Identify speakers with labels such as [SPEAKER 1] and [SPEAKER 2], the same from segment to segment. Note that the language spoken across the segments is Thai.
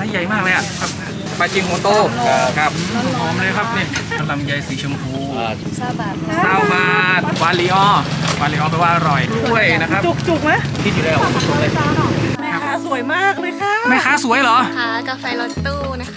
[SPEAKER 1] ส์ใหญ่มากเลยอ่ะครับปลาจิงโมโตครับหอมเลยครับนี่ลำไยสีชมพูซาบาทวาลิออแปลว่าอร่อยด้วยนะครับ
[SPEAKER 2] จุกไหม
[SPEAKER 1] คิดอยู่แล้วสดเลย
[SPEAKER 2] แม่ค้าสวยมากเลยค่ะ
[SPEAKER 1] แม่ค้าสวยเหรอ
[SPEAKER 3] ค่ะกาแฟรถตู้นะคะ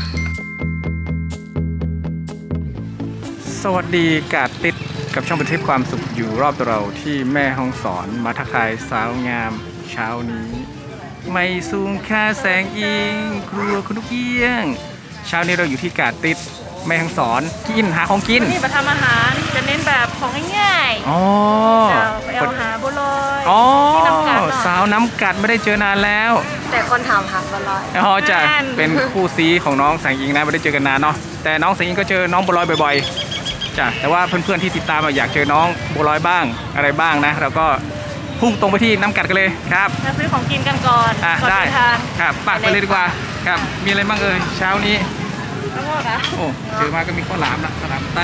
[SPEAKER 1] สวัสดีกาดติดกับช่องบันทึกความสุขอยู่รอบตัวเราที่แม่ฮ่องสอนมาทักทายสาวงามเช้านี้ไม่สูงค่าแสงอิงครัวคุณลูกเอี้ยงเช้านี้เราอยู่ที่กาดติดแม่ฮ่องสอนกินหาของกิน
[SPEAKER 2] นี่มาทำอาหารจะเน้นแบบของง่ายๆ
[SPEAKER 1] อ๋อ
[SPEAKER 2] ไปเอาหาบัวลอย
[SPEAKER 1] อ๋อ
[SPEAKER 2] ที่น้ำกัด
[SPEAKER 1] สาวน้ำกัดไม่ได้เจอนานแล้ว
[SPEAKER 3] แต่คนถามหาบัวลอย
[SPEAKER 1] อ๋อจะเป็นคู่ซีของน้องแสงอิงนะไม่ได้เจอกันนานเนาะแต่น้องแสงอิงก็เจอน้องบัวลอยบ่อยๆจ้ะแต่ว่าเพื่อนๆที่ติดตามอยากเจอน้องบัวลอยบ้างอะไรบ้างนะเราก็พุ่งตรงไปที่น้ำกัดกันเลยครับ
[SPEAKER 2] มาซื้อของกินกันก่อน
[SPEAKER 1] ได้ครับปักไปเลยดีกว่าครับมีอะไรบ้างเช้านี้
[SPEAKER 2] ข้าวโพดอ่ะ
[SPEAKER 1] โอ้เจอมาก็มีข้าวหลามนะข้าวหลามไต้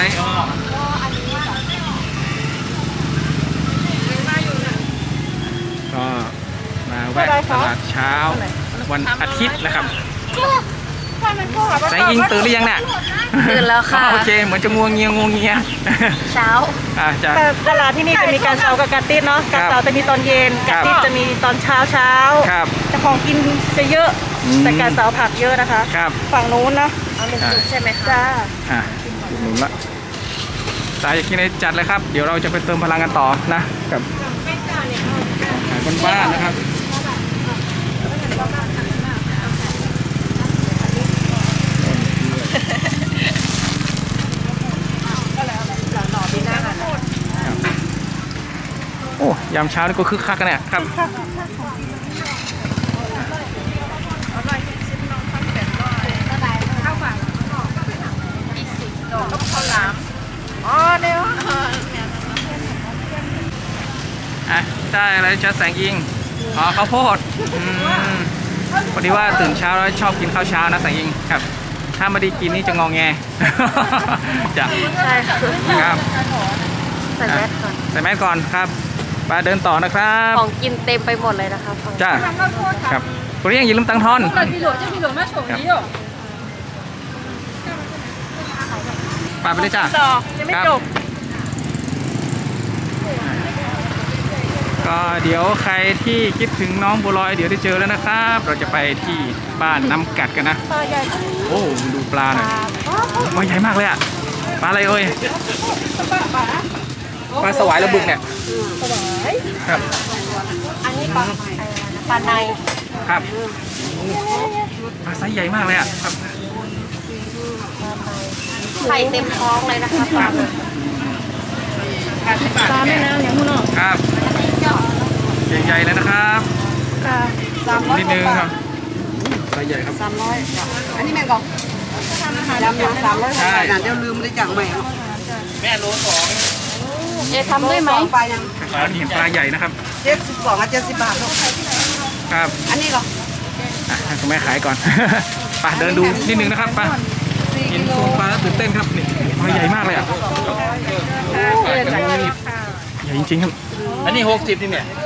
[SPEAKER 1] ก็มาแวะตลาดเช้าวันอาทิตย์นะครับแสงอิงตื่นหรือยังเนี่ย
[SPEAKER 3] ตื่นแล้วค่ะ
[SPEAKER 1] โอเคเหมือนจะงวงเงีย
[SPEAKER 3] เช้า
[SPEAKER 1] จะ
[SPEAKER 2] ตลาดที่นี่จะมีการเช้ากับการติดเนาะการเช้าจะมีตอนเย็นการติดจะมีตอนเช้าแต่ของกินจะเยอะแต่การเช้าผักเยอะนะคะฝั่งนู้นนะ
[SPEAKER 3] เอาเป็นจุดใช่ไหมคะ
[SPEAKER 2] จ้า
[SPEAKER 1] จุดนู้นละสายอยากกินอะไรจัดเลยครับเดี๋ยวเราจะไปเติมพลังกันต่อนะกับขายบ้านๆนะครับโอ้ยามเช้านี่ก็คึกคักกันเนี่ยครับได้อะไรจะแสงอิงข้าวโพดพอดีว่าตื่นเช้าแล้วชอบกินข้าวเช้านะแสงอิงครับถ้าไม่ได้กินนี่จะงอแงจ้ะ
[SPEAKER 3] ใช่
[SPEAKER 1] ครับ
[SPEAKER 3] ใส่แมสก่อน
[SPEAKER 1] ครับไปเดินต่อนะครับ
[SPEAKER 3] ของกินเต็มไปหมดเลยนะคะ
[SPEAKER 1] จ้าครับคุณเรียงอย่าลืมตังทอนไปเลยจ้า
[SPEAKER 2] ยังไม่จบ
[SPEAKER 1] ก็เดี๋ยวใครที่คิดถึงน้องบัวลอยเดี๋ยวได้เจอแล้วนะครับเราจะไปที่บ้านน้ำกัดกันนะ
[SPEAKER 2] ปลาใหญ่
[SPEAKER 1] โอ้ดูปลาหน่อยปลาใหญ่มากเลยอะปลาอะไรปลาสวายระบึกเนี่ยครับ
[SPEAKER 3] อันนี้ปลาใน
[SPEAKER 1] ครับปลาไซส์ใหญ่มากเลยอะครับ
[SPEAKER 3] ไข่เต็มท้องเลยนะคะปลา
[SPEAKER 2] แม่น้ำอย่างนู้นเนาะ
[SPEAKER 1] ครับใหญ่ๆเลยนะครับนิดนึงครับไซส์ใหญ่ครับ
[SPEAKER 4] อันนี้แม่กองยำ300ใช่เดี๋ยวลืมเลยจังใหม่
[SPEAKER 1] แม่โล2
[SPEAKER 3] ทำได้ไหม
[SPEAKER 4] ปลายัง
[SPEAKER 1] เห็นปลาใหญ่นะครับ
[SPEAKER 4] 72กับ70 บาท
[SPEAKER 1] ครับ
[SPEAKER 4] อันนี้ก็
[SPEAKER 1] ให้คุณแม่ขายก่อนไปเดินดูนิดนึงนะครับไปกินโซนปลาแล้วตื่นเต้นครับนี่ปลาใหญ่มากเลยอ่ะใหญ่จริงๆครับ
[SPEAKER 5] อันนี้60นี่เนี่ย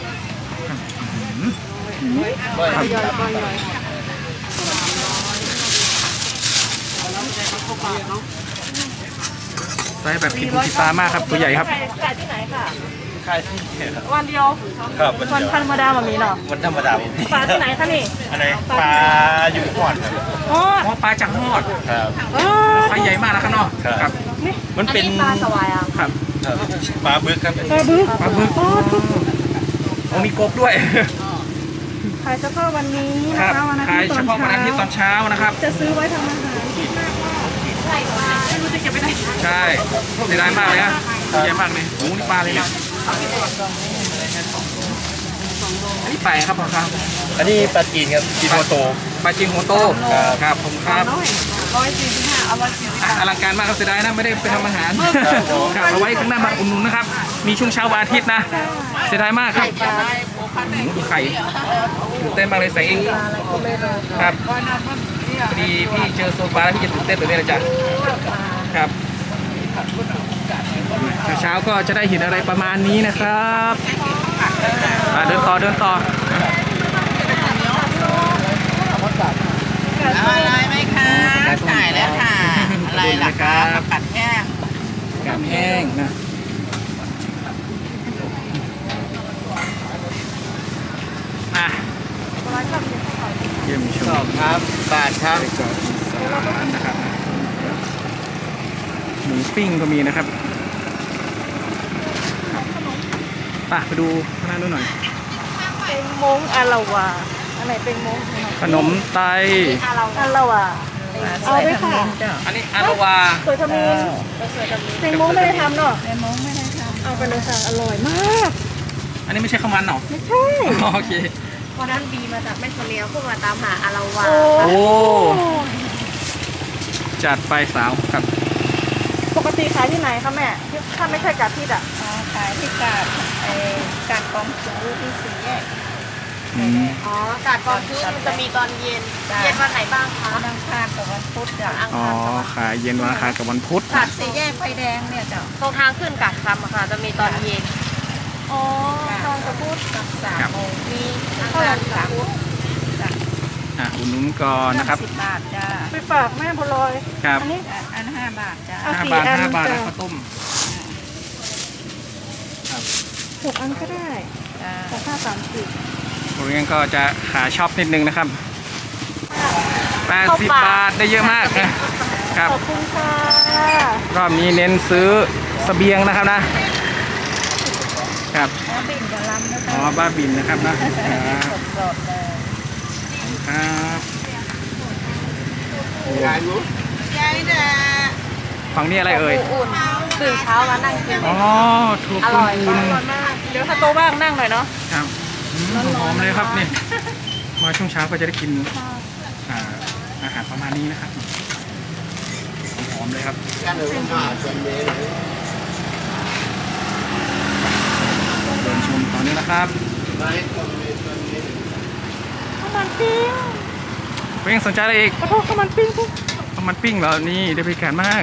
[SPEAKER 1] ไซส์แบบผิดหูผิดตามากครับตัวใหญ่ครับ
[SPEAKER 2] ขายที่ไหนค่ะ
[SPEAKER 5] ขายที่
[SPEAKER 2] วันเดียว
[SPEAKER 5] ครับ
[SPEAKER 2] วันธรรมดาแบบนี้เนาะ
[SPEAKER 5] วันธรรมดา
[SPEAKER 2] ปลาที่ไหนคะนี่
[SPEAKER 5] อะไรปลาอยู่หอด
[SPEAKER 1] ครับปลาจากหอด
[SPEAKER 5] ครับ
[SPEAKER 1] ไซส์ใหญ่มากนะครับเนาะครับ
[SPEAKER 5] มันเป็น
[SPEAKER 3] ปลาสวายอ่ะ
[SPEAKER 1] ครับ
[SPEAKER 5] ปลาบึกครับ
[SPEAKER 2] ปลาบึก
[SPEAKER 1] โอ้มีกบด้วย
[SPEAKER 2] ขายเฉพาะวันนี้นะคะวันอาทิตย์
[SPEAKER 1] ขายเฉพาะวันอาทิตย์ตอนเช้านะครับ
[SPEAKER 2] จะซื้อไว้ทำอาหารคิดมากว่าไม่รู้จะเก็บไปไหน
[SPEAKER 1] ใช่เสียดายมากเลยนะใหญ่มากเลยโอ้นี่ปลาเลยนะอันนี้ปลาครับพ่อครับ
[SPEAKER 5] อันนี้ปลาจีนครับจีนหัวโต
[SPEAKER 1] ปลาจีนหัวโตครับผมครับอลังการมากครับเสียดายนะไม่ได้ไปทำอาหารครับเอาไว้ข้างหน้าบ้านอุ่นนุนนะครับมีช่วงเช้าวันอาทิตย์นะเสียดายมากครับดูไข่ตื่นเต้นมากเลยใส่เองครับพอดีพี่เจอโซฟาแล้วพี่จะตื่นเต้นตัวนี้เลยจ้ะครับเช้าก็จะได้เห็นอะไรประมาณนี้นะครับเดินต่อเยี่ยมชม
[SPEAKER 5] ครับบาทครับ
[SPEAKER 1] ไส้กรอกอีสานนะครับหมูปิ้งก็มีนะครับไปดูข้างหน้านู้นหน่อย
[SPEAKER 2] เป็นมงอาละวาอันไหนเป็นมง
[SPEAKER 1] ขนมไต
[SPEAKER 2] อาละวาเอาด้วยค่ะ
[SPEAKER 1] อันนี้อารวา
[SPEAKER 2] สวยทมินเป็นมงไม่ได้ทำเนาะเป็นมงไม่ได้ทำเอาไปเลยค่ะอร่อยมาก
[SPEAKER 1] อันนี้ไม่ใช่ข้าวมันเหรอ
[SPEAKER 2] ไม่ใช่
[SPEAKER 1] โอเค
[SPEAKER 3] วันนั้นบีมาจากแม่ทะเลขึ้นมาตามหาอาราวา
[SPEAKER 1] โอ้ จัดไปสาวครับ
[SPEAKER 2] ปกติขายที่ไหนคะแม่ถ้าไม่ใช่กาดทิดอ่ะ
[SPEAKER 4] ขายที่กาดกาดกองสูที่สี่แยก
[SPEAKER 1] อืม
[SPEAKER 3] อ๋อกาดกองคือมันจะมีตอนเย็น เย็นวันไหนบ้างคะ
[SPEAKER 4] วันอังคารกับวันพุธจ้ะ
[SPEAKER 1] อ๋อ ขายเย็นวันอังคารกับวันพุธ
[SPEAKER 4] กาดสี่แยกไฟแดงเนี่ยจ้ะ
[SPEAKER 3] ตรงทางขึ้นกาดคำอะค่ะจะมีตอนเย็น
[SPEAKER 2] อ๋อทางกระพุ้
[SPEAKER 4] กับ3 โมง
[SPEAKER 3] มีอัง
[SPEAKER 2] เท่าไห
[SPEAKER 3] คา
[SPEAKER 2] ร่
[SPEAKER 3] ร
[SPEAKER 2] กระพุ้
[SPEAKER 1] อุดหนุนก่อนนะครับ
[SPEAKER 4] 10 บาทจ้ะ
[SPEAKER 2] ไปฝากแม่บัวลอย
[SPEAKER 1] ครับ
[SPEAKER 2] อันนี้
[SPEAKER 4] อัน5 บาทจ้ะ
[SPEAKER 2] เอา
[SPEAKER 1] 5 บาท
[SPEAKER 2] 4
[SPEAKER 1] 5 บาท
[SPEAKER 2] จ้ะ
[SPEAKER 1] แล้วข้าวต้ม
[SPEAKER 2] 6 อันก็ได้
[SPEAKER 4] จ้ะ
[SPEAKER 2] แต่ค่า30
[SPEAKER 1] โรงเรียนก็จะขาช็อปนิดนึงนะครับ80 บาทได้เยอะมากนะครับ
[SPEAKER 2] ขอบคุณค่ะ
[SPEAKER 1] รอบนี้เน้นซื้อเสบียงนะครับนะ ครับ
[SPEAKER 4] แล้วบิ่นกับลำนะ
[SPEAKER 1] อ๋อ
[SPEAKER 4] คะ
[SPEAKER 1] บ้าบินนะครับนะ
[SPEAKER 4] สดๆเลย
[SPEAKER 1] ครับโอ้
[SPEAKER 4] ยายน่ะ
[SPEAKER 1] ฝั่งนี้อะไรเอ่ย
[SPEAKER 3] อุ่นตื่นเช้ามานั่งกิน
[SPEAKER 1] อ๋อถั่ว
[SPEAKER 3] อ
[SPEAKER 1] ฟู
[SPEAKER 3] ร่อย
[SPEAKER 1] อุ่น
[SPEAKER 2] อร่อยมาก เดี๋ยวถ้าโตบ้างนั่งหน่อยเนาะ
[SPEAKER 1] ครับหอมเลยครับนี่มาช่วงเช้าก็จะได้กินอาหารประมาณนี้นะครับหอมเลยครับเดินชมตอนนี้นะครับ
[SPEAKER 2] ข้าวมันปิ้ง
[SPEAKER 1] เพ่งสนใจอะไรอีก
[SPEAKER 2] ขอโทษข้าวมันปิ้งปุ๊บ
[SPEAKER 1] ข้าวมันปิ้งเหรอนี่ได้บริการมาก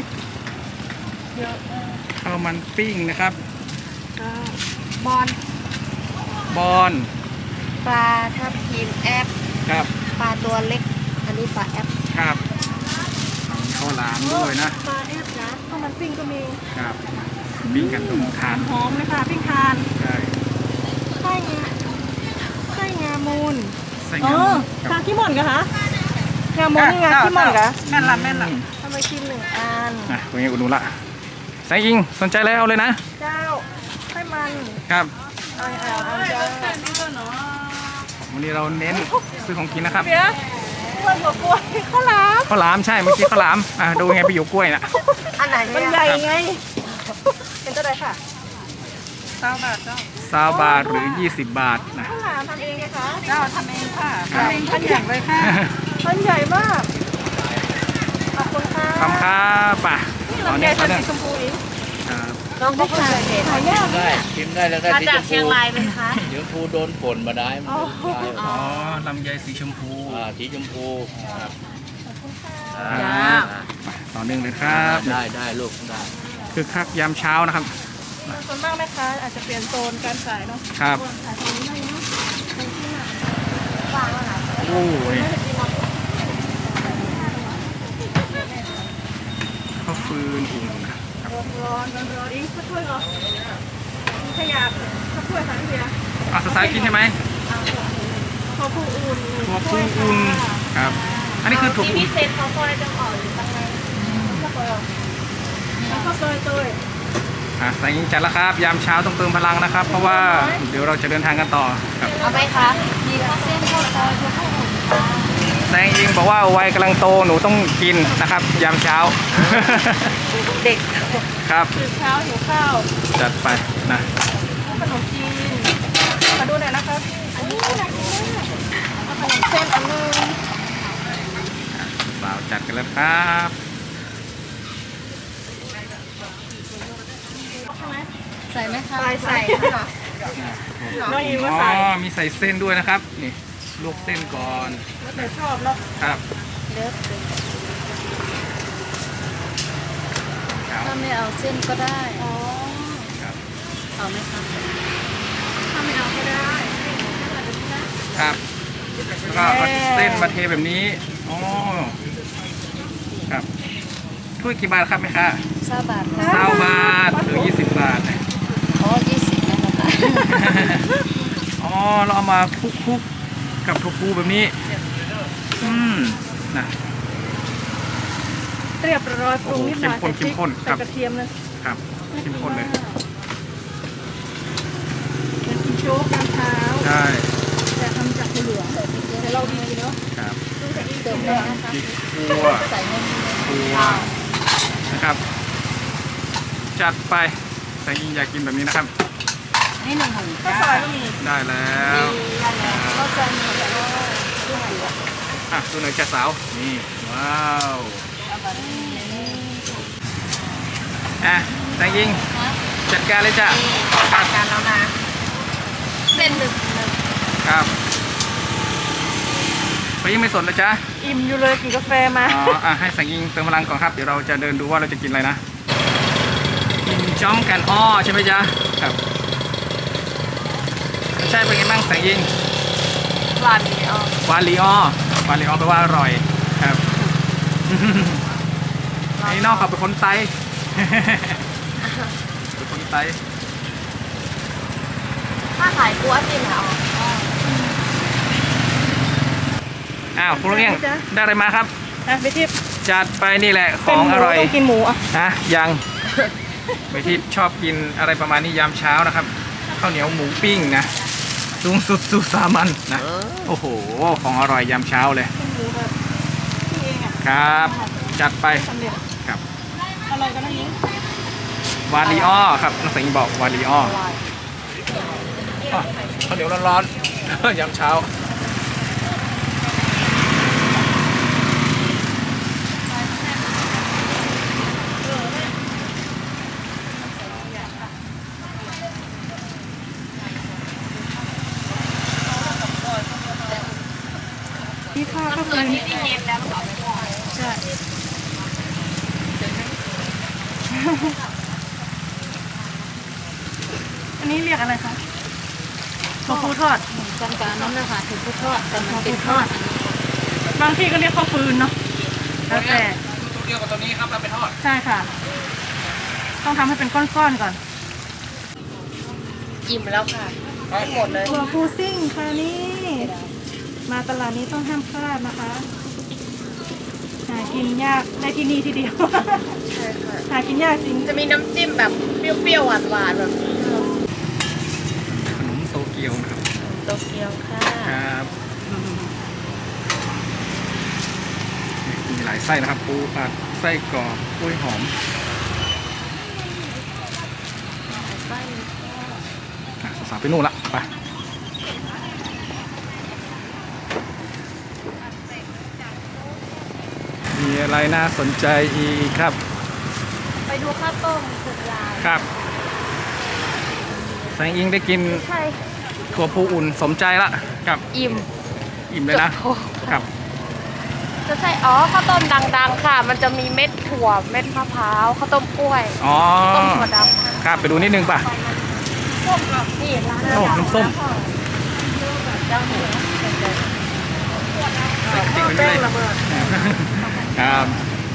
[SPEAKER 1] ข้าวมันปิ้งนะครับ
[SPEAKER 3] บอล
[SPEAKER 1] บอน
[SPEAKER 3] ปลาทับทิมแอป
[SPEAKER 1] ครับ
[SPEAKER 3] ปลาตัวเล็ก อันนี้ปลาแอป
[SPEAKER 1] ครับข้าวหลามด้วยนะ
[SPEAKER 2] ปลาแอปนะข้าวมันปิ้งก็มี
[SPEAKER 1] ครับปิ้งกันตรงทาน
[SPEAKER 2] หอมเลยค่ะปิ้งทาน
[SPEAKER 1] ใช่
[SPEAKER 2] ไส้งาไส้งามูล
[SPEAKER 1] ใส่
[SPEAKER 2] อ๋
[SPEAKER 1] งา
[SPEAKER 2] อ
[SPEAKER 1] ค
[SPEAKER 2] ทา
[SPEAKER 1] รับ
[SPEAKER 2] ขี้หม่อนกะคะงามูลนี่งาขี้หม่อนกะ
[SPEAKER 4] แม่นละแม่นละ
[SPEAKER 2] ทำไมชิม1 อัน
[SPEAKER 1] คุณยังอุดหนุนละใส่อิงสนใจแล้วเอาเลยนะ
[SPEAKER 2] เจ้าไส้มัน
[SPEAKER 1] ครับ
[SPEAKER 2] เอาเจ้า
[SPEAKER 1] วันนี้เราเน้นซื้อของกินนะครับ
[SPEAKER 2] เดี๋ยวกล้วยหัวกล้วยข้าวหลาม
[SPEAKER 1] ข้าวหลามใช่เมื่อกี้ข้าวหลามดูไงไปอยู่กล้วยนะ
[SPEAKER 3] อันไหน
[SPEAKER 2] มัน
[SPEAKER 3] เนี่ย
[SPEAKER 2] ใหญ่ไง เป็นเท่าไหร่ค่ะ
[SPEAKER 4] 20 บาทจ้ะ
[SPEAKER 1] 20 บาทหรือ 20 บาทนะ
[SPEAKER 2] ข้าวหลามทำเองไหมคะ
[SPEAKER 4] เจ้าทำเองค่ะทำเองทุกอย่างเลยค่ะ
[SPEAKER 2] มันใหญ่มาก ขอบคุณค่ะ
[SPEAKER 1] คำครับป่ะ
[SPEAKER 2] นี่
[SPEAKER 1] ตอน
[SPEAKER 2] ลำไย
[SPEAKER 1] นี้
[SPEAKER 2] พั
[SPEAKER 1] เขา
[SPEAKER 2] น
[SPEAKER 1] เนี่ย
[SPEAKER 2] ธุ์สีชมพูอีก
[SPEAKER 1] ครับ
[SPEAKER 3] น้องก็เพิ่งเคยเห็น
[SPEAKER 2] หายาก
[SPEAKER 5] ได้ชิมได้แล้วได้
[SPEAKER 3] มา
[SPEAKER 5] สี
[SPEAKER 3] จา
[SPEAKER 5] ช
[SPEAKER 3] ก
[SPEAKER 5] ม
[SPEAKER 3] เชีย
[SPEAKER 5] พู
[SPEAKER 3] งรายไหมคะ
[SPEAKER 5] สีชมพูโดนฝนมาได้มันได้
[SPEAKER 1] อ๋อลำไยสีชมพู
[SPEAKER 5] สีชมพูครับ
[SPEAKER 1] ครับไปต่อเนื่องเลยครับ
[SPEAKER 5] ได้ลูกได้
[SPEAKER 1] คือคักยามเช้านะครับ
[SPEAKER 2] ส่วนมากแม่ค้าอาจจะเปลี่ยนโซนการขายเนาะ
[SPEAKER 1] ครับ
[SPEAKER 2] ขายตรงนี้ได้เนาะ
[SPEAKER 1] โอ้ยข้าวฟืนอุ่นนะครับ
[SPEAKER 2] ร้อนอีกข้าวถ้วยเหรอมีขยะข้าวถ้วยค่ะพี่เบียร์
[SPEAKER 1] สายกินใช่ไหม
[SPEAKER 2] ข้าวผู้อุ่น
[SPEAKER 1] ถั่วฟูอุ่นครับ อันนี้คือถั่ว
[SPEAKER 3] ที่
[SPEAKER 1] ฟู
[SPEAKER 3] พิเศษเขาซอยจังอ่อนหรือตั้งไง
[SPEAKER 2] แล้วข้าวซอยเตย
[SPEAKER 1] สายยิงจัดแล้วครับ ยามเช้าต้องเติมพลังนะครับ เพราะว่าเดี๋ยวเราจะเดินทางกันต่อครับ
[SPEAKER 3] เอาไหมคะ มีข้าวเส้นข้าวซอยข้าวผู้อุ่นค่ะ
[SPEAKER 1] แซงยิงบอกว่าวัยกำลังโตหนูต้องกินนะครับ ยามเช้า
[SPEAKER 3] เด็ก
[SPEAKER 1] ครับ
[SPEAKER 2] ตื่นเช้าหิวข้าว
[SPEAKER 1] จัดไปนะ
[SPEAKER 2] ขนมจีนมาดูหน่อยนะครับอันนี้น่ากินมากเอาขนมเส้นอันนึง
[SPEAKER 1] สาวจัดกันแล้วครับ
[SPEAKER 3] ใส่ไหมคะ
[SPEAKER 2] ใส่ค่ะ น้องยิงว่า
[SPEAKER 1] อ๋อ
[SPEAKER 2] ใส่
[SPEAKER 1] มีใส่เส้นด้วยนะครับ นี่ลวกเส้นก่อน
[SPEAKER 2] แล้วแต่ชอบเนาะ
[SPEAKER 1] ครับ
[SPEAKER 3] เลิฟ
[SPEAKER 1] ครับ
[SPEAKER 3] ถ้าไม่เอาเส้นก็ได้
[SPEAKER 2] อ๋อ
[SPEAKER 1] ครับ
[SPEAKER 3] เอาไหมคะ
[SPEAKER 2] ถ้าไม่เอาก็ได้
[SPEAKER 1] ครับแล้วก็เอาเส้นมาเทแบบนี้อ๋อครับถ้วยกี่บาทครับแม่ค้า
[SPEAKER 3] 20 บาทค่ะ
[SPEAKER 1] 20 บาทหรือ 20 บาท
[SPEAKER 3] อ๋อ20นะคะ
[SPEAKER 1] อ๋อเราเอามาคลุกๆกับถั่วพูแบบนี้นะ
[SPEAKER 2] เรียบร้อยปรุงนิดหน่อย
[SPEAKER 1] เข้มข้นค
[SPEAKER 2] ใส่
[SPEAKER 1] รับ
[SPEAKER 2] กระเทียมเลย
[SPEAKER 1] ครับเข้มข้นเลย
[SPEAKER 2] เป็นกินโจ๊กตอนเช้า
[SPEAKER 1] ใช่
[SPEAKER 2] แต่ทำจากถั่วเหลืองแต่เราดีเนาะ
[SPEAKER 1] ครับ
[SPEAKER 2] เติมได้นะคะ
[SPEAKER 1] พริกคั่วถั่วนะครับจัดไปแสงอิงอยากกินแบบนี้นะครับ
[SPEAKER 4] นี่1 ถุง
[SPEAKER 2] ข้าวซอยก็มี
[SPEAKER 1] ได้แล้ว
[SPEAKER 2] ข้าวซอยมีแต่ว่า
[SPEAKER 1] ดูหน่อยจ้าสาวนี่ว้าวแสงอิงจัดการเลยจ้ะครับ
[SPEAKER 3] การแล้วนะเส้นหนึ่ง
[SPEAKER 1] ครับไปยังไม่สนเลยจ้ะ
[SPEAKER 2] อิ่มอยู่เลยกินกาแฟมา
[SPEAKER 1] อ๋อให้แสงอิงเติมพลังก่อนครับเดี๋ยวเราจะเดินดูว่าเราจะกินอะไรนะกินจ้อมกันอ้อใช่ไหมจ๊ะครับใช่เป็นไงบ้างแสงอิง
[SPEAKER 3] หวานดีอ่ะ
[SPEAKER 1] วาลีออวาลีออแปลว่าอร่อยครับไอ้นอกเขาเป็นคนไต้ เป็นคนไต้
[SPEAKER 3] ถ้าขายกัวจริงเหรอ
[SPEAKER 1] อ้าวคุณลุงเอี้ยงได้อะไรมาครับ
[SPEAKER 2] นะไปทิพย์
[SPEAKER 1] จัดไปนี่แหละข
[SPEAKER 2] เป็น
[SPEAKER 1] อง
[SPEAKER 2] หมู
[SPEAKER 1] อร่อย
[SPEAKER 2] ต้องกินหมูอ่ะ
[SPEAKER 1] นะยังไปที่ชอบกินอะไรประมาณนี้ยามเช้านะครับข้าวเหนียวหมูปิ้งนะสูงสุดสู่สามัญนะโอ้โหของอร่อยยามเช้าเลย
[SPEAKER 2] เป็นหมูแบบที่เองอ่ะ
[SPEAKER 1] ครับ จัดไป
[SPEAKER 2] สำเร็จ
[SPEAKER 1] ครับ
[SPEAKER 2] อร่อยกันนะยิง
[SPEAKER 1] วาลีออครับน้องสิงห์บอกวาลีออข้าวเหนียวร้อนๆ ยามเช้า
[SPEAKER 2] ที่ข้าวก็คือ
[SPEAKER 3] ที่เย็นแล้วมันออกไปก่อน
[SPEAKER 2] ใช่อันนี้เรียกอะไรคะถั่วพูทอด
[SPEAKER 4] กันการน้ำเลยค่ะถึงพุททอดแต่มันเป็นทอด
[SPEAKER 2] บางที่ก็เรียกข้าวฟืนเนาะแล้วแต่
[SPEAKER 1] ตัวเดียวกับตัวนี้ครับเราไปทอด
[SPEAKER 2] ใช่ค่ะ ต้องทำให้เป็นก้อนๆก่อน
[SPEAKER 3] อิ่มแล้วค่ะหมดเลย
[SPEAKER 2] ถั่วพูซิ่งค่ะนี่มาตลาดนี้ต้องห้ามพลาดนะคะหากินยากได้ที่นี่ทีเดียว
[SPEAKER 3] ใช่ค่ะ
[SPEAKER 2] หากินยากจริง
[SPEAKER 3] จะมีน้ำจิ้มแบบเปรี้ยวๆหวานๆแบบ
[SPEAKER 1] ขนมโตเกียวนะครับ
[SPEAKER 3] โตเกียวค่ะ
[SPEAKER 1] ครับมีหลายไส้นะครับปูอัดไส้กรอกกล้วยหอมสาวๆไปนู่นละไปมีอะไรน่าสนใจอีกครับ
[SPEAKER 3] ไปดูข้าวต้มสุดลาย
[SPEAKER 1] ครับแสงอิงได้กิน
[SPEAKER 3] ใช่
[SPEAKER 1] ถั่วพูอุ่นสมใจละครับ
[SPEAKER 3] อิ่ม
[SPEAKER 1] อิ่มเลยนะ
[SPEAKER 3] โอ้
[SPEAKER 1] ครับ
[SPEAKER 3] จะใช่อ๋อข้าวต้มดังๆค่ะ มันจะมีเม็ดถั่วเม็ดมะพร้าวข้าวต้มกล้วย
[SPEAKER 1] อ๋อ
[SPEAKER 3] ต้มถั่วดำ
[SPEAKER 1] ครับไปดูนิดนึงป่ะ
[SPEAKER 3] ส้มกับนี่ร้าน
[SPEAKER 1] โอ้น้ำส้ม
[SPEAKER 2] แป้งระเบิด
[SPEAKER 1] ครับ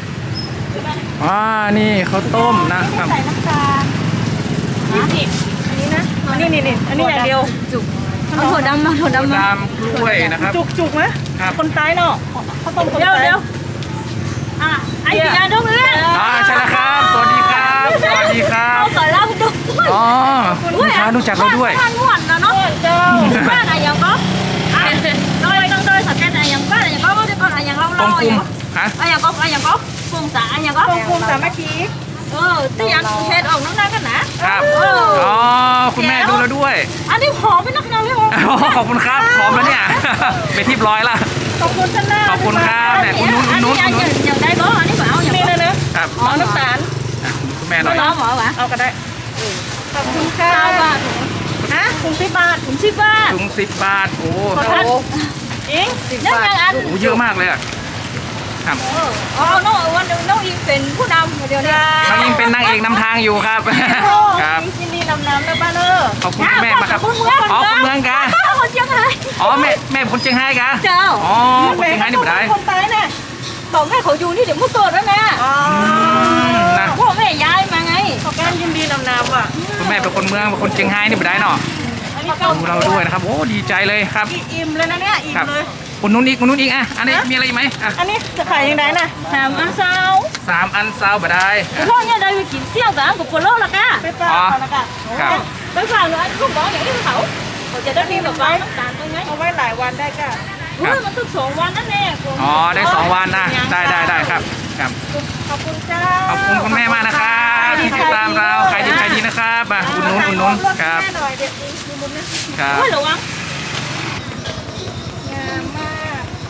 [SPEAKER 1] นี่ข้าวต้มนะครับ
[SPEAKER 2] ใส่น้ำตาล
[SPEAKER 3] 20อันนี้นะ
[SPEAKER 2] อันนี้นี่อันนี้อย่างเดียว
[SPEAKER 3] จุก
[SPEAKER 2] เอาถั่วดำมาถั่วดำมา
[SPEAKER 1] ตามกล้วยนะครับ
[SPEAKER 2] จุกไหม
[SPEAKER 1] ครับ
[SPEAKER 2] คนตายเนาะข้าวต้มคนตาย
[SPEAKER 3] ไอ้ยาดงเลย
[SPEAKER 1] ใช่แล้วครับ สวัสดีครับ สวัสดีครับ
[SPEAKER 3] ขอเล่าดู
[SPEAKER 1] อ๋อลูกค้ารู้จักเราด้วย
[SPEAKER 3] ทานหวานนะเนาะเจ้าบ้านอะไรยังก็น้อยต้องโดยสังเกตอะไรยังบ้านอะไรยังก็จะก่อนอะไรยังเล่า
[SPEAKER 1] ตรง
[SPEAKER 3] เล่าก
[SPEAKER 1] ลุ่มฮะ
[SPEAKER 3] อะไรยังก็อะไรยังก็ฟงสาอะไรยังก็
[SPEAKER 2] ตรงกลุ่มสามัคคี
[SPEAKER 3] ที่ยังเฮ็ดออกน้ำหนักกันนะครับ
[SPEAKER 1] อ๋อ คุณแม่ดูเราด้วย
[SPEAKER 3] อันนี้หอมเป็นนักนาเลยหอม
[SPEAKER 1] อ๋อขอบคุณครับพร้อมแล้วเนี่ย ไปที่ร้อยละ
[SPEAKER 2] ขอบคุณท่านหน้า
[SPEAKER 1] ขอบคุณครับเนี่ยคุณนุ้น
[SPEAKER 3] อัน
[SPEAKER 1] นุ้
[SPEAKER 3] นี้
[SPEAKER 1] นนุ้น
[SPEAKER 3] ยังได้บ่อันนี้เปล่าอย่าง
[SPEAKER 2] นี่เลยนะ
[SPEAKER 1] ครับ
[SPEAKER 2] เอาน้ำตาล
[SPEAKER 1] คุณแม่หน่อย
[SPEAKER 3] น้องหมอวะ
[SPEAKER 2] เอาก็ได้ขอบคุณค่ะ
[SPEAKER 3] 9 บาท
[SPEAKER 2] นะถุง10 บาท
[SPEAKER 3] ถึง10 บาท
[SPEAKER 1] ถุง10 บาท โอ้
[SPEAKER 2] ขอท่านอิง
[SPEAKER 3] ยังยังอัน
[SPEAKER 1] โหเยอะมากเลยอะครับ
[SPEAKER 3] อ๋อน้องวันน้องอีเป็นผู้นำเดี๋ยวนี้
[SPEAKER 1] น้องยิงเป็นนางเอกนำทางอยู่ครับ ครับ
[SPEAKER 2] ยินดีนำน้ำนะบ้านเออ
[SPEAKER 1] ขอบคุณคุณแม่มากครับ อ๋อคนเมืองกะ
[SPEAKER 3] คนเชียงราย
[SPEAKER 1] อ๋อแม่คนเชียงรายกะ
[SPEAKER 3] เจ้า
[SPEAKER 1] อ๋อคนเชียงรายนี่ไม่ได้
[SPEAKER 2] คนตายเนี่ย
[SPEAKER 3] บอกแม่เขาอยู่นี่เดี๋ยวมุดตัวแล้วนะ
[SPEAKER 2] อ๋อ
[SPEAKER 1] นะ
[SPEAKER 3] พ่อแม่ย้ายมาไง
[SPEAKER 2] ขอการยินดีนำน้ำว่ะ
[SPEAKER 1] คุณแม่เป็นคนเมืองเป็นคนเชียงรายนี่ไม่ได้เนาะ
[SPEAKER 2] อันนี้ก็
[SPEAKER 1] ดูเราด้วยนะครับ โอ้ดีใจเลยครับ
[SPEAKER 2] อิ่มเลยนะเนี่ยอิ่ม
[SPEAKER 1] ครับ
[SPEAKER 2] เลย
[SPEAKER 1] อุดหนุนอีกอ่ะอันนี้มีอะไรอีกไหมอ่ะ
[SPEAKER 2] อันนี้จะขายยังไงน่ะ
[SPEAKER 3] 3 อันเช้า
[SPEAKER 1] 3 อันซาวบะได้
[SPEAKER 3] พ่อเนี่ยได้ไปกินเที่ยวกันกับคนโลกละก้า
[SPEAKER 2] ไปฝากเขาแล้วกัน
[SPEAKER 1] ครับ
[SPEAKER 3] ไปฝากเลยลูกบอกอย่างนี้เขาจะได้มีแบบว่าน้ำตาลตรงนี้
[SPEAKER 2] เอาไว้หลายวันได้ก็
[SPEAKER 3] มันต้อง2 วันนั่นแน่
[SPEAKER 1] อ๋อได้2 วันนะได้ครับครับ
[SPEAKER 2] ขอบคุณเจ้า
[SPEAKER 1] ขอบคุณคุณแม่มากนะครับที่ติดตามเราขายดีนะครับอ่ะอุดหนุนครับ
[SPEAKER 2] แม่หน่อยเดี๋ยวนี้ดูมุมนี้
[SPEAKER 1] ครับ
[SPEAKER 3] โอ้ยระวัง
[SPEAKER 2] งามมาก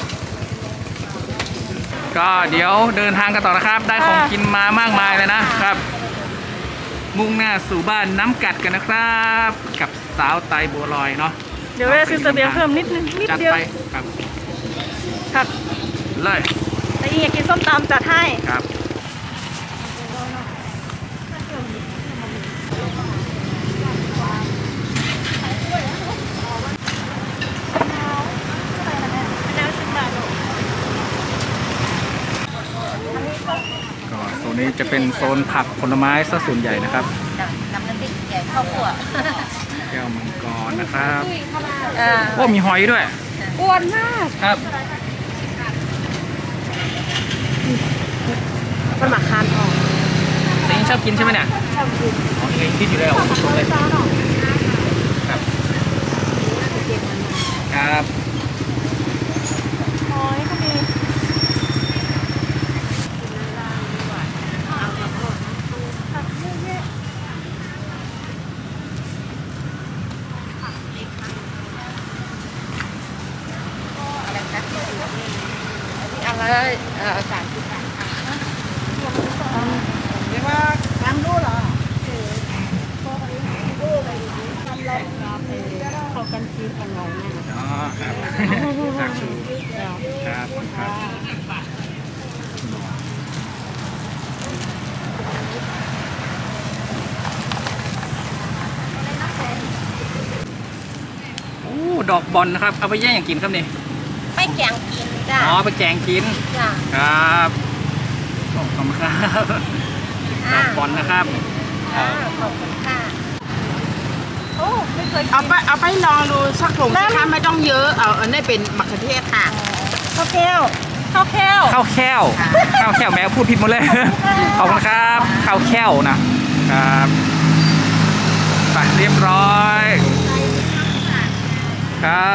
[SPEAKER 1] ก็เดี๋ยวเดินทางกันต่อนะครับ ได้ของกินมามากมายเลยนะครับ มุ่งหน้าสู่บ้านน้ำกัดกันนะครับ กับสาวไตบัวลอยเนาะ
[SPEAKER 2] เดี๋ยวแม่ซื้อเสบียงเพิ่มนิด
[SPEAKER 1] จัด
[SPEAKER 2] เดียว
[SPEAKER 1] ไปครับ
[SPEAKER 2] ครับ
[SPEAKER 1] เลย
[SPEAKER 2] แต่อีกอยากกินส้มตำจัดให้
[SPEAKER 1] ครับก็โซนนี้จะเป็นโซนผักผลไม้ซะส่วนใหญ่นะครับ
[SPEAKER 3] น้ำพริกใหญ่ข้าวคั่ว
[SPEAKER 1] แก้วมังกรนะครับ
[SPEAKER 2] อ่า
[SPEAKER 1] โอ้มีหอยด้วย
[SPEAKER 2] อ้วนมาก
[SPEAKER 1] ครับ
[SPEAKER 2] มันหมักคานออก
[SPEAKER 1] เองชอบกินใช่ไหมเนี่ยชอบกินอ๋อเองคิดอยู่แล้วสดๆเลยครับครับ
[SPEAKER 2] หอยก็มี
[SPEAKER 4] อะไร30 บาทเรียกว่าทำรู้เหรอ
[SPEAKER 2] เขากันกินกันเราเนี่ย
[SPEAKER 1] อ๋อครับตักชูครับครับโอ้ดอกบอลนะครับเอาไปแย่งอย่างกินครับนี่
[SPEAKER 3] ไม่แกงกินจ้ะ
[SPEAKER 1] อ๋อไปแกงกิน
[SPEAKER 3] จ้ะ
[SPEAKER 1] ครับขอบคุณครับดอกบอลนะครับครับ
[SPEAKER 3] ขอบคุณค่ะ
[SPEAKER 2] โอ้ไม่เคยกิน
[SPEAKER 4] เอาไปลองดูสักถุงสิคะไม่ต้องเยอะเอาอันนี้เป็นมะเขือเทศค่ะ
[SPEAKER 2] ข้าวแก้วข้าวแก้ว
[SPEAKER 1] ข้าวแค้วข้าวแค้วแม่พูดผิดหมดเลยขอบคุณครับข้าวแค้วนะครับไปเรียบร้อยครับ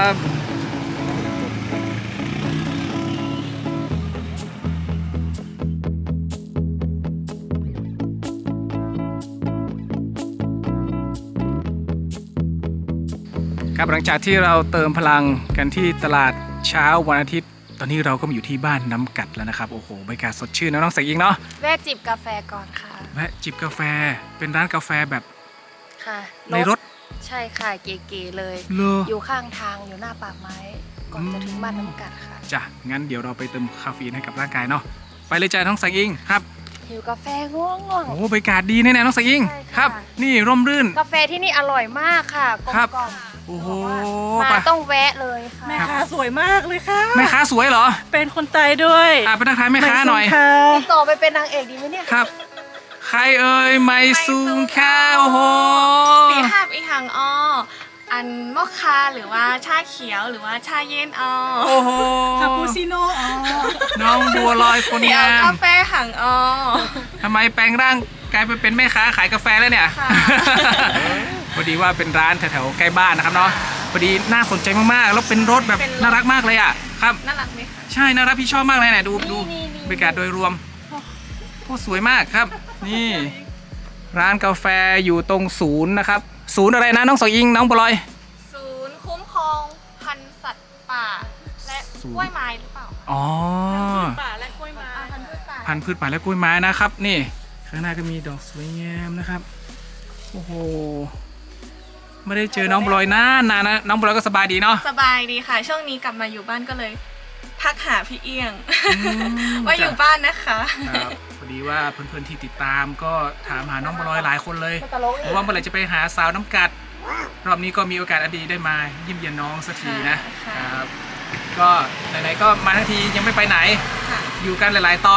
[SPEAKER 1] ครับหลังจากที่เราเติมพลังกันที่ตลาดเช้าวันอาทิตย์ ตอนนี้เราก็มาอยู่ที่บ้านน้ำกัดแล้วนะครับโอ้โหบรรยากาศสดชื่นนะน้องใส่ยิงเนาะ
[SPEAKER 3] แวะจิบกาแฟก่อนค่ะ
[SPEAKER 1] แวะจิบกาแฟเป็นร้านกาแฟแบบ
[SPEAKER 3] ค่ะ
[SPEAKER 1] ในรถ
[SPEAKER 3] ใช่ค่ะเก๋ๆเลย
[SPEAKER 1] เลอ
[SPEAKER 3] อยู่ข้างทางอยู่หน้าปากไม้ ก่อนจะถึงบ้านน้ำกัดค่ะ
[SPEAKER 1] จ้ะงั้นเดี๋ยวเราไปเติมคาเฟอีนให้กับร่างกายเนาะไปเลยจ้ะน้องใส่ยิงครับ
[SPEAKER 3] หิวกาแฟง่วง
[SPEAKER 1] โอ้บรรยากาศดีแน่ๆน้องใส่ยิง
[SPEAKER 3] ใช่ค่ะ
[SPEAKER 1] ครับ นี่ร่มรื่น
[SPEAKER 3] ๆกาแฟที่นี่อร่อยมากค่ะกล
[SPEAKER 1] ครับ
[SPEAKER 3] ม
[SPEAKER 1] โอ้โห
[SPEAKER 3] ๆมา
[SPEAKER 1] ไป
[SPEAKER 3] ต้องแวะเลยค่ะ
[SPEAKER 2] แม่ค้าสวยมากเลยค่ะ
[SPEAKER 1] แม่ค้าสวยเหรอ
[SPEAKER 2] เป็นคนไทยด้วย
[SPEAKER 1] ไปทักทายแม่ค้าหน่อย
[SPEAKER 2] ไม่ค่ะ
[SPEAKER 3] ติดต่อไปเป็นนางเอกดีไหมเนี่ย
[SPEAKER 1] ครับ ใครเอ่ยไม่ซูงข้าวโอ้โห
[SPEAKER 6] ปีภาพอีหังอ้ออันมอคคาหรือว่าชาเขียวหรือว่าชาเย็นอ้อ
[SPEAKER 1] โอ้โห
[SPEAKER 2] คาปูชิโน่อ๋อ
[SPEAKER 1] น้องบัวลอยคน
[SPEAKER 6] เดี๋ยว
[SPEAKER 1] งาม
[SPEAKER 6] กาแฟหังอ้อ
[SPEAKER 1] ทำไมแปลงร่างกลายไปเป็นแม่ค้าขายกาแฟแล้วเนี่ย
[SPEAKER 6] ค่ะ
[SPEAKER 1] พอดีว่าเป็นร้านแถวๆใกล้บ้านนะครับเนาะพอดีน่าสนใจมากๆแล้วเป็นรถแบบน่ารักมากเลยอ่ะครับ
[SPEAKER 6] น่ารักไหมคะ
[SPEAKER 1] ใช่น่ารักพี่ชอบมากเลยเนี่ยดูบรรยากาศโดยรวมโอ้สวยมากครับ นี่ ร้านกาแฟอยู่ตรงศูนย์นะครับ ศูนย์อะไรนะน้องสองอิงน้องบัวลอย
[SPEAKER 6] ศูนย์คุ้มครองพันธุ์สัตว์ป่า และ
[SPEAKER 1] ศูนย์
[SPEAKER 6] กล้วยไม้หรือเปล่า
[SPEAKER 1] อ๋อ
[SPEAKER 2] ป่าและกล้วยไม้
[SPEAKER 6] พันธุ์พืชป่า
[SPEAKER 1] พันธุ์พืชป่าและกล้วยไม้นะครับ นี่ข้างหน้าก็มีดอกสวยงามนะครับโอ้โหไม่ได้เจอน้องบัวลอยนานๆนะน้องบัวลอยก็สบายดีเนาะ
[SPEAKER 6] สบายดีค่ะ ช่วงนี้กลับมาอยู่บ้านก็เลยทักหาพี่เอี้ยง ว่าอยู่บ้านนะคะ
[SPEAKER 1] ครับพอดีว่าเพื่อนๆที่ติดตามก็ถามหาน้องบัวลอยหลายคนเลยเพราะว่าเมื่อไหร่จะไปหาสาวน้ำกัด รอบนี้ก็มีโอกาสอันดีได้มาเยี่ยมเยียนน้องสักทีนะ
[SPEAKER 6] ค่ะ
[SPEAKER 1] ครับก็ไหนๆก็มาทั้งทียังไม่ไปไหน
[SPEAKER 6] ค่ะ
[SPEAKER 1] อยู่กันหลายๆตอน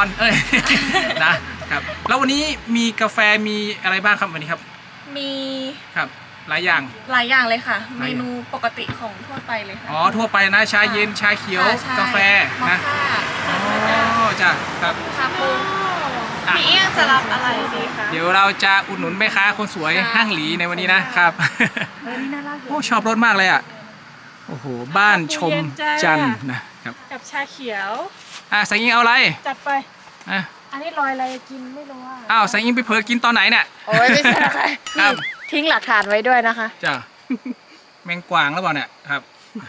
[SPEAKER 1] นะครับแล้ววันนี้มีกาแฟมีอะไรบ้างครับวันนี้ครับ
[SPEAKER 6] มี
[SPEAKER 1] ครับหลายอย่าง
[SPEAKER 6] หลายอย่างเลยค่ะ
[SPEAKER 1] หลายอย่าง
[SPEAKER 6] เมนูปกติของทั่วไปเลยค่ะ
[SPEAKER 1] อ๋อทั่วไปนะชาเย็นชาเขียว
[SPEAKER 6] ค่ะใช่
[SPEAKER 1] กาแฟ
[SPEAKER 6] มอ
[SPEAKER 1] นะ
[SPEAKER 6] คค่า
[SPEAKER 1] อ๋อจ้ะครับ
[SPEAKER 6] คาปู
[SPEAKER 1] อ่ะ
[SPEAKER 6] พี่เอี้ยงจะรับอะไรดีคะ
[SPEAKER 1] เดี๋ยวเราจะอุดหนุนแม่ค้าคนสวย
[SPEAKER 6] ค่ะ
[SPEAKER 1] ห้างหลีในวันนี้นะครับ
[SPEAKER 2] นี่น่ารัก
[SPEAKER 1] โอ้ชอบรถมากเลยอ่ะโอ้โหบ้านชมจันทร์นะครับ
[SPEAKER 2] กับชาเขียว
[SPEAKER 1] แสงอิงเอาอะไร
[SPEAKER 2] จัดไป
[SPEAKER 1] อ่ะ
[SPEAKER 3] อันนี้ลอยอะไรกินไม่รู้ว่า
[SPEAKER 1] อ้าวแสงอิงไปเผลอกินตอนไหนเนี่ย
[SPEAKER 3] โอ้ยไม่ใช่นะคะ
[SPEAKER 1] ครับ
[SPEAKER 3] ทิ้งหลักฐานไว้ด้วยนะคะ
[SPEAKER 1] จ้ะแมงกวางแล้วเปล่าเนี่ยครับ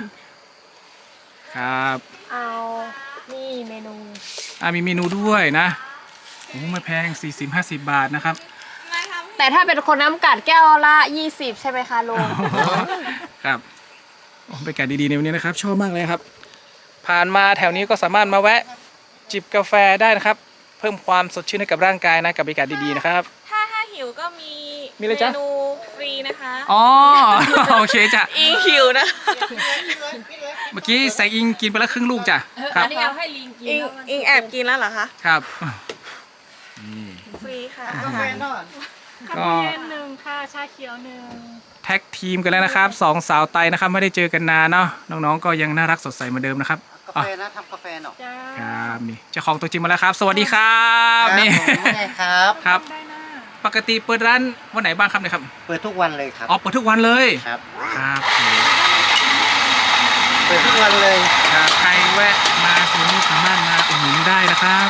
[SPEAKER 1] ครับ
[SPEAKER 3] เอานี่เมนู
[SPEAKER 1] มีเมนูด้วยนะโอ้ไม่แพง40-50 บาทนะครับ
[SPEAKER 3] แต่ถ้าเป็นคนน้ำกัดแก้วละ20ใช่ไหมคะลุง
[SPEAKER 1] ครับโอ้บรรยากาศดีๆในวันนี้นะครับ ชอบมากเลยครับ ผ่านมาแถวนี้ก็สามารถมาแวะจิบกาแฟได้นะครับ เพิ่มความสดชื่นให้กับร่างกายนะกับบรรยากาศดีๆนะครับ
[SPEAKER 6] ถ้าหิวก็มี
[SPEAKER 1] มีอะไรจ๊ะ
[SPEAKER 6] เมนูฟรีนะคะ
[SPEAKER 1] อ๋อ โอเคจ้ะ
[SPEAKER 6] อิงหิวนะ
[SPEAKER 1] เมื่อกี้แสงอิงกินไปแล้วครึ่งลูกจ้ะครับ
[SPEAKER 3] อันนี้เอาให้ลิงกิน
[SPEAKER 6] อิงแอบกินแล้วเหรอคะ
[SPEAKER 1] ครับ
[SPEAKER 6] ฟรีค่ะ
[SPEAKER 4] กาแฟนอน
[SPEAKER 1] ก็
[SPEAKER 2] เย็นหนึ่งค่ะชาเขียวหนึ่ง
[SPEAKER 1] แท็กทีมกันแล้วนะครับสองสาวไตนะครับไม่ได้เจอกันนานเนาะน้องๆก็ยังน่ารักสดใสเหมือนเดิมนะครับ
[SPEAKER 4] กา
[SPEAKER 1] อ๋อ
[SPEAKER 4] แฟนะทำกาแฟหน่อย
[SPEAKER 2] จ้า
[SPEAKER 1] ครับนี่เจ้าของตัวจริงมาแล้วครับ สวัสดีครับนี่
[SPEAKER 4] ผมว่าไงครับ
[SPEAKER 1] ครับ
[SPEAKER 2] ได้นะ
[SPEAKER 1] ปกติเปิดร้านวันไหนบ้างครับเนี่ยครับ
[SPEAKER 4] เปิดทุกวันเลยครับ
[SPEAKER 1] อ๋อเปิดทุกวันเลย
[SPEAKER 4] ครับ
[SPEAKER 1] ครับ
[SPEAKER 4] เปิดทุกวันเลย
[SPEAKER 1] ครับใครแวะมาตรงนี้สามารถมาอุดหนุนได้นะครับ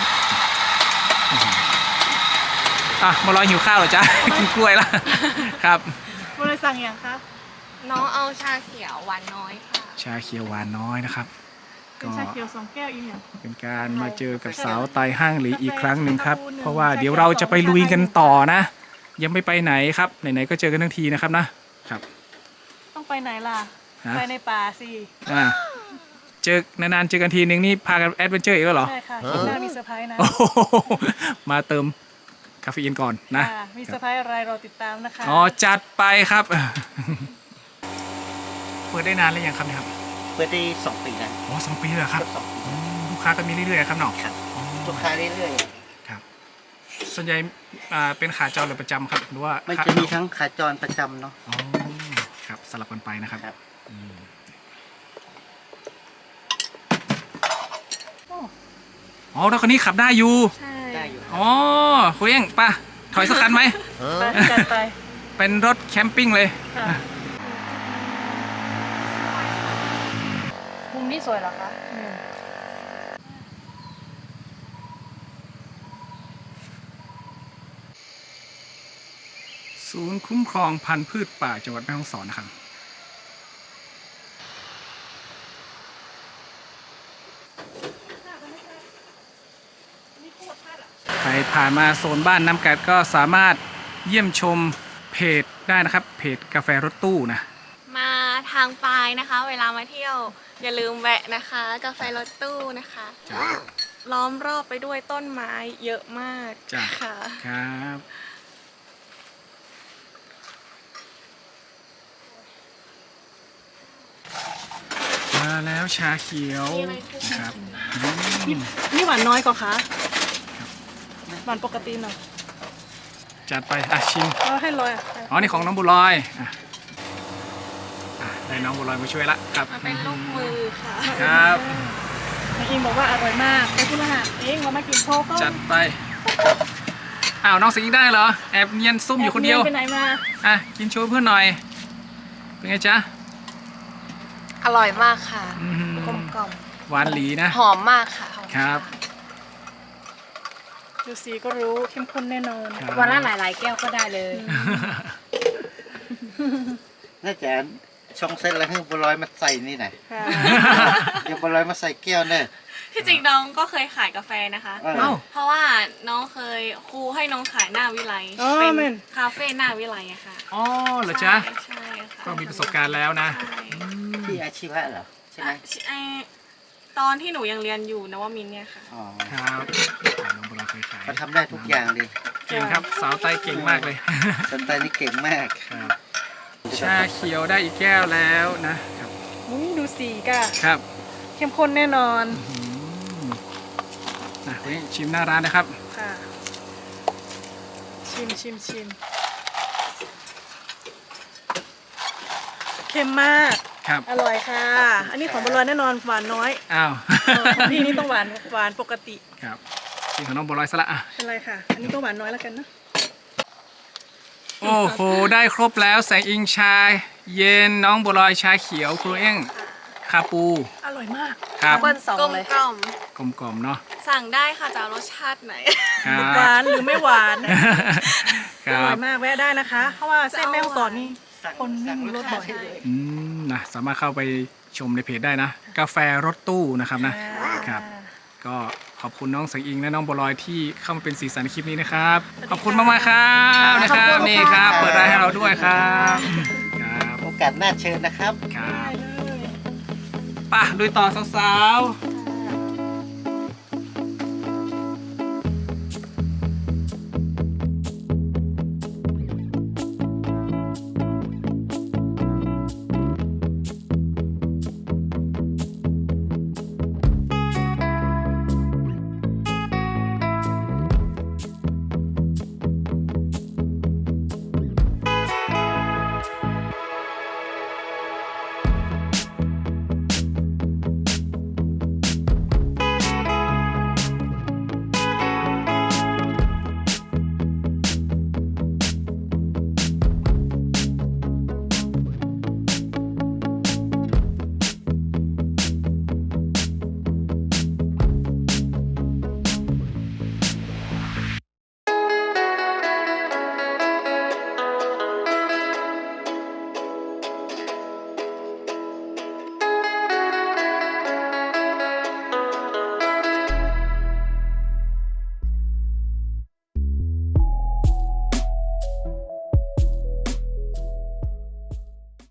[SPEAKER 1] มาลอยหิวข้าวเหรอจ๊ะ กินกล้วยละครับ
[SPEAKER 2] บริสั่งอย่างคะ
[SPEAKER 6] น้องเอาชาเขียวหวานน้อยค่ะ
[SPEAKER 1] ชาเขียวหวานน้อยนะครับ
[SPEAKER 2] เป็นชาเขียว2 แก้วอีกอย่าง
[SPEAKER 1] เป็นการมาเจอกับสาวไตห้างหลีอีกครั้งหนึ่งครับ เพราะว่าเดี๋ยวเราจะไปลุยกันต่อนะ ยังไม่ไปไหนครับไหนๆก็เจอกันทั้งทีนะครับนะครับ
[SPEAKER 2] ต้องไปไหนล่ะ
[SPEAKER 1] ฮะ
[SPEAKER 2] ไปในป่าสิ
[SPEAKER 1] เจอนานๆเจอกันทีนึงนี่พากันแอดเวนเจอร์อีกแล้วเหรอ
[SPEAKER 2] ใช่ค่ะข้างหน้ามีเซอร์ไพรส์นะ
[SPEAKER 1] โอ้โหมาเติมคาเฟอีนก่อนนะ
[SPEAKER 2] ค่ะมีเซอร์ไพรส์อะไรรอติดตามนะคะ
[SPEAKER 1] อ๋อจัดไปครับ เปิดได้นานหรือยังครับเนี่ยครับ
[SPEAKER 4] เปิดได้2 ปีแล้ว
[SPEAKER 1] อ๋อ2 ปีเลยเหรอครับ
[SPEAKER 4] สองปี
[SPEAKER 1] อืมลูกค้าก็มีเรื่อยๆครับเนาะ
[SPEAKER 4] ครับ
[SPEAKER 1] อ๋อ
[SPEAKER 4] ลูกค้าเรื่อย
[SPEAKER 1] ครับ ส่วนใหญ่เป็นขาจรหรือประจำครับหรือว่า
[SPEAKER 4] ๆมันจะมีทั้งขาจรประจำเนาะ
[SPEAKER 1] อ๋อครับสลับกันไปนะครับ
[SPEAKER 4] ครับ
[SPEAKER 1] อืมอ๋อรถคันนี้ขับได้อยู่
[SPEAKER 6] ใช่
[SPEAKER 4] ได้อยู่
[SPEAKER 1] อ๋อคุยเองป่ะถอยสักคันไหม
[SPEAKER 2] ไปจัดไป
[SPEAKER 1] เป็นรถแคมปิ้งเลย
[SPEAKER 2] ค่ะ
[SPEAKER 3] มุมนี้สวยเหรอคะ
[SPEAKER 1] ศูนย์คุ้มครองพันธุ์พืชป่าจังหวัดแม่ฮ่องสอนนะครับ ใครผ่านมาโซนบ้านน้ำกัดก็สามารถเยี่ยมชมเพจได้นะครับ เพจกาแฟรถตู้นะ
[SPEAKER 6] มาทางปลายนะคะ เวลามาเที่ยว อย่าลืมแวะนะคะ กาแฟรถตู้นะคะ
[SPEAKER 1] จ้ะ
[SPEAKER 6] ล้อมรอบไปด้วยต้นไม้เยอะมาก
[SPEAKER 1] จ้ะ
[SPEAKER 6] ค่ะ
[SPEAKER 1] ครับ มาแล้วชาเขียวครับอืม
[SPEAKER 2] นี่หวานน้อยกว่าคะหวานปกติหน่อย
[SPEAKER 1] จัดไปชิม
[SPEAKER 2] เอาให้ลอยอ่ะ
[SPEAKER 1] อ๋อ นี่ของน้องบุญลอยได้น้องบุญลอยมาช่วยละครับ
[SPEAKER 6] มาเป็นลูกมือค่ะ
[SPEAKER 1] ครับ
[SPEAKER 2] นายอิงบอกว่าอร่อยมากไปคุณอาหารเองเรามากินโชว์ก็
[SPEAKER 1] จัดไปอ้าวน้องสิงห์ได้เหรอ แอบเนียนซุ่มอยู่คนเดียว
[SPEAKER 2] ไปไหนมา
[SPEAKER 1] กินโชว์เพื่อนหน่อย เป็นไงจ๊ะ
[SPEAKER 3] อร่อยมากค่ะ
[SPEAKER 1] อื้อหือก
[SPEAKER 3] ลมกล่อม
[SPEAKER 1] หวานหลีนะ
[SPEAKER 3] หอมมากค่ะหอม
[SPEAKER 1] ครับ
[SPEAKER 2] ดูสีก็รู้เข้มข้นแน่นอน
[SPEAKER 1] ครับ
[SPEAKER 3] วันละหลายๆแก้วก็ได้เลย
[SPEAKER 4] น่าจะช่องเส้นแล้วให้บัวลอยมาใส่นี่หน่อย
[SPEAKER 2] ค่ะ
[SPEAKER 4] เดี๋ยวบัวลอยมาใส่แก้วเนอะ
[SPEAKER 6] ที่จริงน้องก็เคยขายกาแฟนะคะ
[SPEAKER 4] เออ
[SPEAKER 1] เอ้า
[SPEAKER 6] เพราะว่าน้องเคยครูให้น้องขายหน้าวิไล
[SPEAKER 2] อ๋อ
[SPEAKER 6] เป็น
[SPEAKER 2] แม่น
[SPEAKER 6] คาเฟ่หน้าวิไลอะค่ะ
[SPEAKER 1] อ๋อเหรอจ๊ะ
[SPEAKER 6] ใช่ค่ะ
[SPEAKER 1] ก็มีประสบการณ์แล้วนะ
[SPEAKER 6] ใช่
[SPEAKER 4] ที่อาชีวะเหรอใช่ไหม
[SPEAKER 6] ตอนที่หนูยังเรียนอยู่นวมินทร์เนี่ยค่ะ
[SPEAKER 4] อ๋อ
[SPEAKER 1] ครับน้องบุญลอยเคยขาย
[SPEAKER 4] เขาทำได้ทุกอย่างเลย
[SPEAKER 1] เก่งครับ สาวไตเก่งมากเลย
[SPEAKER 4] สนใจนี่เก่งมาก
[SPEAKER 1] ครับชาเขียวได้อีกแก้วแล้วนะครับ
[SPEAKER 2] อุ้ยดูสีก่ะ
[SPEAKER 1] ครับ
[SPEAKER 2] เข้มข้นแน่นอน
[SPEAKER 1] คุณนี่ชิมหน้าร้านนะครับ
[SPEAKER 2] ค่ะ ชิมค็มมาก
[SPEAKER 1] ครับ
[SPEAKER 2] อร่อยค่ะ อันนี้ของบัวลอยแน่นอนหวานน้อย
[SPEAKER 1] อ้าว
[SPEAKER 2] ของพี่นี่ต้องหวานปกติ
[SPEAKER 1] ครับกินของน้องบัวลอยซะละอ่ะ
[SPEAKER 2] เป็นไรค่ะ อันนี้ก็หวานน้อยแล้วกันนะ
[SPEAKER 1] โอ้โหได้ครบแล้วแสงอิงชาเย็นน้องบัวลอยชาเขียวครูเอ้งคาปู
[SPEAKER 2] อร่อยมาก
[SPEAKER 1] ครับ
[SPEAKER 4] เปิ้ลสอง
[SPEAKER 6] กลม
[SPEAKER 4] เลย
[SPEAKER 6] กล่อม
[SPEAKER 1] กลมๆเนาะ
[SPEAKER 6] สั่งได้ค่ะจะเอารสชาติไหน
[SPEAKER 1] ครับ
[SPEAKER 2] หวานหรือไม่หวาน
[SPEAKER 1] ค
[SPEAKER 2] อ
[SPEAKER 1] รั
[SPEAKER 2] ร่อบ ยมากแวะได้นะคะ เพราะว่าเส้นแม่ฮ่องสอนนี่คนวิ่งรถบ่อย
[SPEAKER 1] นะสามารถเข้าไปชมในเพจได้นะ กาแฟรถตู้นะครับนะครับ ก็ขอบคุณน้องแสงอิงและน้องบัวลอยที่เข้ามาเป็นสีสันในคลิปนี้นะครับ ขอบคุณมากๆครับนะครับนี่ครับเปิดร้านให้เราด้วยครับครับ
[SPEAKER 7] โอกาสหน้าเชิญนะครับ
[SPEAKER 1] ครับไป่ะลุยต่อสาวๆ